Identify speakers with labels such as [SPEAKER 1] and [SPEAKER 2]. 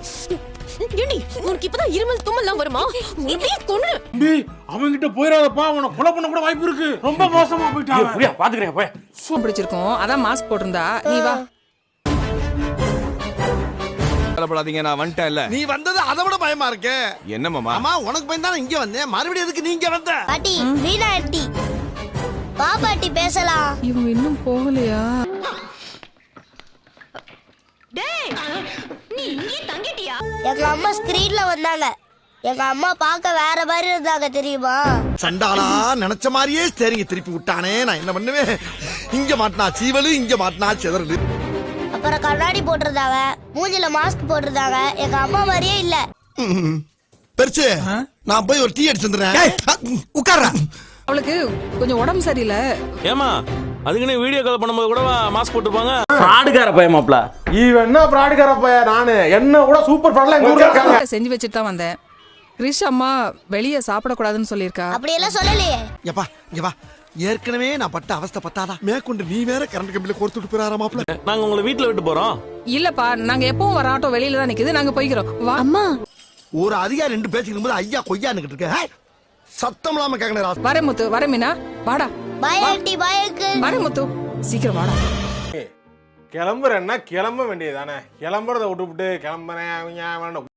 [SPEAKER 1] ஏண்டி உனக்கு இப்பதான் இருமல் தும்மல்லாம் வருமா? இப்படியே கொன்னு.
[SPEAKER 2] அவன்கிட்ட போயிடாதப்பா, அவனை கொலை பண்ண கூட வாய்ப்பு இருக்கு. ரொம்ப மோசமா போயிட்டான்.
[SPEAKER 3] புரியா பாத்துக்கிறேன் போய்.
[SPEAKER 4] பிடிச்சிருக்கோம், அதான் மாஸ்க் போட்டிருந்தா. நீ வா.
[SPEAKER 5] கவலைப்படாதீங்க, நான் வந்துட்டேன். இல்ல
[SPEAKER 6] நீ வந்தது அதை விட பயமா இருக்கு.
[SPEAKER 5] என்ன மாமா?
[SPEAKER 6] அம்மா உனக்கு பயந்தானே இங்க வந்தேன். மறுபடியும் எதுக்கு நீங்க வந்த?
[SPEAKER 7] பாட்டி வீணா ஆண்டி வா பாட்டி பேசலாம்.
[SPEAKER 4] இவங்க இன்னும் போகலையா?
[SPEAKER 1] டேய் நீ இங்கே தங்கிட்டியா?
[SPEAKER 7] எங்க அம்மா ஸ்கிரீன்ல வந்தாங்க. எங்க அம்மா பார்க்க வேற மாதிரி இருந்தாங்க தெரியுமா?
[SPEAKER 6] சண்டாளா நினைச்ச மாதிரியே சரிங்க திருப்பி விட்டானே. நான் என்ன பண்ணுவேன்? இங்க மாட்டினா சீவலு, இங்க மாட்டினா சிதறலு.
[SPEAKER 7] அப்புறம் கண்ணாடி போட்டிருந்தாங்க, மூஞ்சில மாஸ்க் போட்டிருந்தாங்க. எங்க அம்மா மாதிரியே இல்ல.
[SPEAKER 6] பெருசு, நான் போய் ஒரு டீ அடிச்சு வந்துடுறேன். உட்கார்றா.
[SPEAKER 4] அவளுக்கு கொஞ்சம் உடம்பு சரியில்லை.
[SPEAKER 3] ஏமா அதுக்குன்னு வீடியோ கால் பண்ணும்போது கூட மாஸ்க் போட்டுப்பாங்க. ஃப்ராடுகார பையமாப்ல.
[SPEAKER 2] இவன் என்ன பிராடுகார பையன்? நானு என்ன கூட சூப்பர் ஃப்ராட்லாம் எங்க ஊர்ல இருக்காங்க.
[SPEAKER 4] செஞ்சு வச்சுட்டு தான் வந்தேன். கிரிஷ் அம்மா வெளியே சாப்பிடக்கூடாதுன்னு சொல்லியிருக்கா.
[SPEAKER 7] அப்படியெல்லாம் சொல்லலையே.
[SPEAKER 6] எப்பா இங்க வா. ஏற்கனவே நான் பட்ட அவஸ்தை பத்தாதா? மேற்கொண்டு நீ வேற கரண்ட் கம்பியில கோர்த்துட்டு போறாரா மாப்ள?
[SPEAKER 3] நாங்க உங்களை வீட்டுல விட்டு போறோம்.
[SPEAKER 4] இல்லப்பா, நாங்க எப்பவும் வர ஆட்டோ வெளியில தான் நிக்குது, நாங்க போய்க்கிறோம். வா. அம்மா
[SPEAKER 6] ஒரு அதிகாரி ரெண்டு பேசிக்கும் போது ஐயா கொய்யான்னு இருக்க. சத்தம் இல்லாம கேட்கணும்.
[SPEAKER 4] வர முத்து, வர மீனா, வாடா.
[SPEAKER 7] Bye aunty, bye uncle.
[SPEAKER 4] வர முத்து, சீக்கிரம் வாடா.
[SPEAKER 2] கிளம்புறேன்னா கிளம்ப வேண்டியதானே. கிளம்புறத விட்டுவிட்டு கிளம்புறேன்